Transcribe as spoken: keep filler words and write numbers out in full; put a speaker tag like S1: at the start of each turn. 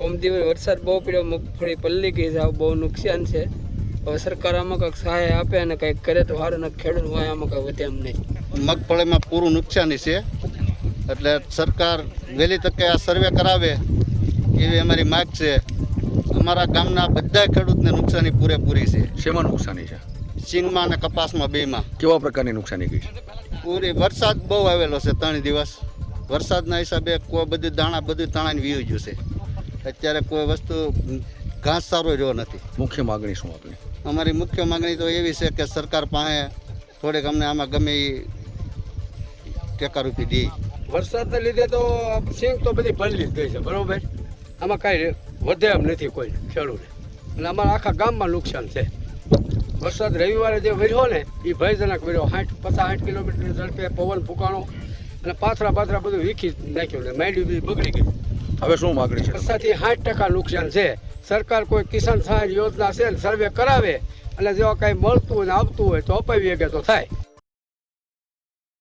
S1: કોમદી વરસાદ બહુ પડ્યો, મગફળી પલ્લી ગઈ છે, બહુ નુકસાન છે. હવે સરકાર આમાં કંઈક સહાય આપે અને કંઈક કરે તો સારું, ને ખેડૂત હોય આમાં કંઈ વધે એમ નહીં.
S2: મગફળીમાં પૂરું નુકસાની છે, એટલે સરકાર વહેલી તકે આ સર્વે કરાવે એવી અમારી માગ છે. અમારા ગામના બધા ખેડૂતને નુકસાની પૂરેપૂરી છે.
S3: શેમાં નુકસાની છે?
S2: સિંગમાં અને કપાસમાં બેમાં.
S3: કેવા પ્રકારની નુકસાની ગઈ છે?
S2: પૂરી વરસાદ બહુ આવેલો છે, ત્રણ દિવસ વરસાદના હિસાબે કોઈ બધું દાણા બધું તાણાને વીવી ગયું છે. અત્યારે કોઈ વસ્તુ ઘાસ સારો રહ્યો નથી.
S3: મુખ્ય માગણી શું આપની?
S2: અમારી મુખ્ય માગણી તો એવી છે કે સરકાર પાસે થોડીક અમને આમાં ગમે એ ટેકારૂપી દે.
S4: વરસાદને લીધે તો સિંગ તો બધી પલળી જ ગઈ છે, બરોબર. આમાં કાંઈ વધે એમ નથી કોઈ ખેડૂતને, અને અમારા આખા ગામમાં નુકસાન છે. વરસાદ રવિવારે જે વર્યો ને એ ભયજનક વર્યો, સાઠ પચાસ સાઠ કિલોમીટર ઝડપે પવન ફૂંકાણો અને પાથરા પાથરા બધું વીખી નાખ્યું ને માંડી બધી બગડી ગઈ.
S3: હવે શું માગણી છે?
S4: વરસાદથી સાઠ ટકા નુકસાન છે. સરકાર કોઈ કિસાન સહાય યોજના છે ને સર્વે કરાવે અને જો કાંઈ મળતું હોય ને આવતું હોય તો અપાવી શકે તો થાય.